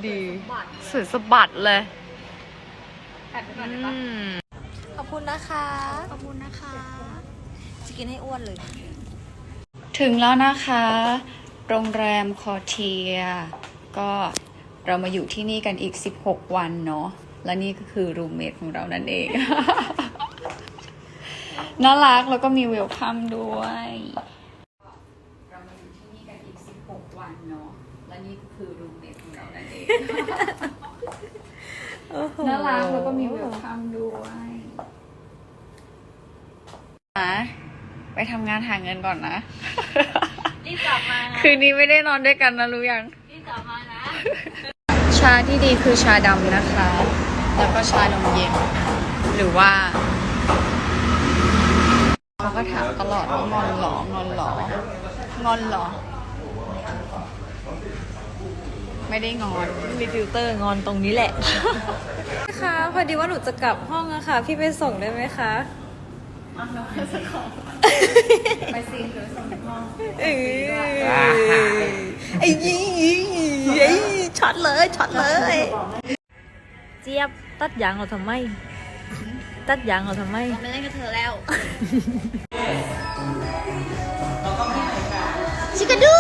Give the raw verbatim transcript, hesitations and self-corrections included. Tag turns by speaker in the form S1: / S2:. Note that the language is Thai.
S1: ดีสวยสะบัดเลย
S2: ขอบคุณนะคะขอบคุณนะคะจะกินให้อ้วนเลย
S1: ถึงแล้วนะคะโรงแรมคอเทียก็เรามาอยู่ที่นี่กันอีกสิบหกวันเนาะและนี่ก็คือรูมเมทของเรานั่นเอง น่ารักแล้วก็มีเวลคัมด้วยเรามาอยู่ที่นี่กันอีกสิบหกวันเนาะและนี่ก็คือรูมเมทของเรานั่นเองน่ารักแล้วก็มีเวลคัมด้วยไปทำงานหาเงินก่อนนะ
S2: รีบกลับมานะ
S1: คืนนี้ไม่ได้นอนด้วยกันนะรู้ยัง
S2: รีบกลับมานะ
S1: ชาที่ดีคือชาดำนะคะแล้วก็ชานมเย็นหรือว่าเขาก็ถามตลอดว่างอนหรองอนหรองอนหรอไม่ได้งอน
S2: มีฟิลเตอร์งอนตรงนี้แหละค่ะพอดีว่าหนูจะกลับห้องอะค่ะพี่ไปส่งได้ไหมคะ
S1: ไปซีนหรือส่งห้อง
S2: ไอ้ยี่ไอ้ช็อตเลยช็อตเลยเจี๊ยบตัดยางเราทำไมตัดยางเราทำไมไม่เล่นกับเธอแล้วชิคาดู